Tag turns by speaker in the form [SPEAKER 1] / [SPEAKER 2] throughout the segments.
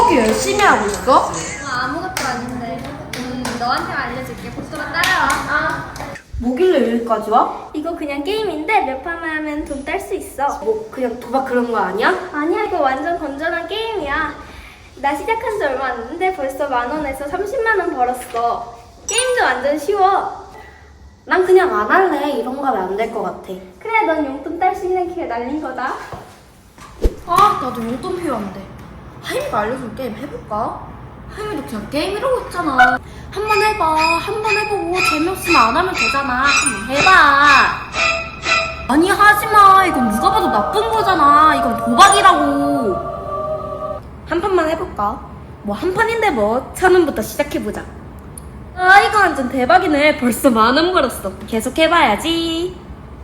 [SPEAKER 1] 그렇게 열심히 하고 있어?
[SPEAKER 2] 아무것도 아닌데. 너한테 알려줄게. 복도가 따라와.
[SPEAKER 1] 뭐길래 여기까지 와?
[SPEAKER 2] 이거 그냥 게임인데 몇 판만 하면 돈 딸 수 있어.
[SPEAKER 1] 뭐 그냥 도박 그런 거 아니야?
[SPEAKER 2] 아니야, 이거 완전 건전한 게임이야. 나 시작한 지 얼마 안 됐는데 벌써 10,000원에서 30만원 벌었어. 게임도 완전 쉬워.
[SPEAKER 1] 난 그냥 안 할래. 이런 거 하면 안 될 것 같아.
[SPEAKER 2] 그래, 넌 용돈 딸 수 있는 기회 날린 거다.
[SPEAKER 1] 아, 나도 용돈 필요한데. 하임이가 알려준 게임 해볼까? 하임이도 그냥 게임 이러고 있잖아. 한번 해봐. 한 번 해보고 재미없으면 안 하면 되잖아. 한번 해봐. 아니, 하지마. 이건 누가 봐도 나쁜 거잖아. 이건 도박이라고. 한 판만 해볼까? 뭐 한 판인데 뭐 1,000원부터 시작해보자. 아, 이거 완전 대박이네. 벌써 10,000원 벌었어. 계속 해봐야지.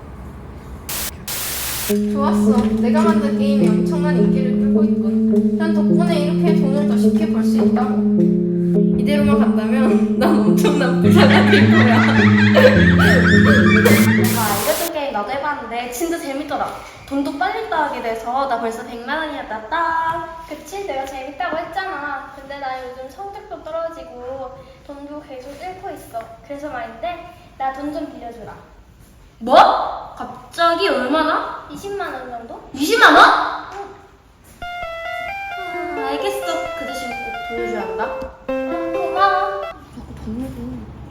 [SPEAKER 3] 좋았어. 내가 만든 게임이 엄청난 인기를 끌고 있군. 난 덕분에 이렇게 돈을 더 쉽게 벌 수 있다고. 이대로만 간다면 난 엄청난 부자가 될 거야.
[SPEAKER 1] 내가 알려준 게임 나도 해봤는데 진짜 재밌더라. 돈도 빨리 따게 돼서 나 벌써 100만원이나 땄다.
[SPEAKER 2] 그치, 내가 재밌다고 했잖아. 근데 나 요즘 성적도 떨어지고 돈도 계속 잃고 있어. 그래서 말인데 나 돈 좀 빌려주라.
[SPEAKER 1] 뭐? 갑자기 얼마나?
[SPEAKER 2] 20만원 정도?
[SPEAKER 1] 20만원? 알겠어. 그 대신 꼭 돌려줘야 한다.
[SPEAKER 2] 고마워.
[SPEAKER 1] 자꾸 돈 내고.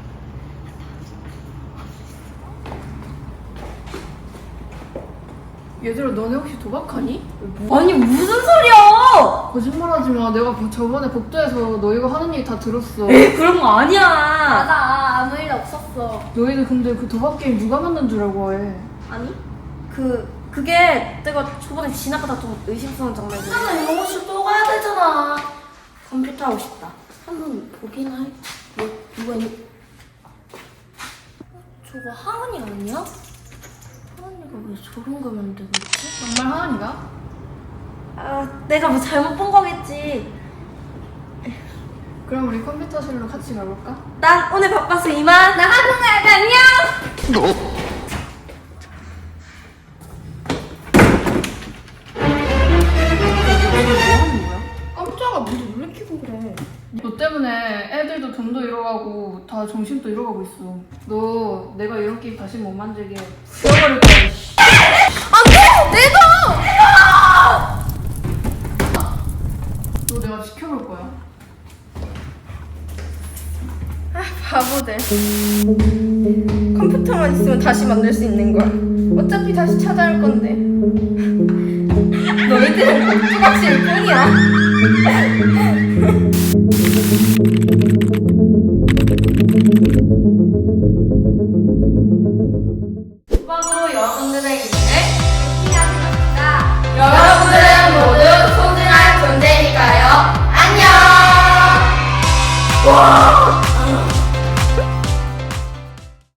[SPEAKER 3] 얘들아, 너네 혹시 도박하니?
[SPEAKER 1] 아니 무슨 소리야?
[SPEAKER 3] 거짓말하지 마. 내가 저번에 복도에서 너희가 하는 얘기 다 들었어.
[SPEAKER 1] 에이 그런 거 아니야.
[SPEAKER 2] 맞아, 아무 일 없었어.
[SPEAKER 3] 너희들 근데 그 도박 게임 누가 만든 줄 알고 해?
[SPEAKER 1] 아니 그게 내가 저번에 지나가다 좀 의심스러운 장면이. 하나 영어실 또 가야 되잖아. 컴퓨터 하고 싶다. 한번 보긴 할. 뭐 누가 있니? 저거 하은이 아니야? 하은이가 왜 저런 거 만들고 있지?
[SPEAKER 3] 정말 하은이가?
[SPEAKER 1] 아 내가 뭐 잘못 본 거겠지.
[SPEAKER 3] 그럼 우리 컴퓨터실로 같이 가볼까?
[SPEAKER 1] 난 오늘 바빠서 이만.
[SPEAKER 2] 나 학원 가야 돼, 안녕!
[SPEAKER 3] 깜짝아, 무슨 놀래키고 그래. 너 때문에 애들도 돈도 잃어가고 다 정신도 잃어가고 있어. 너 내가 이런 게임 다시 못 만들게 죽여버릴 거야. 씨.
[SPEAKER 1] 안돼 내 돈.
[SPEAKER 3] 너 내가 지켜볼 거야.
[SPEAKER 2] 바보들. 컴퓨터만 있으면 다시 만들 수 있는 걸. 어차피 다시 찾아올 건데. 너희들은 뚜벅실 뿐이야.
[SPEAKER 1] 도박으로 여러분들의 인생을
[SPEAKER 2] 피하겠습니다.
[SPEAKER 1] 여러분들은 모두 소중한 존재니까요. 안녕. 와.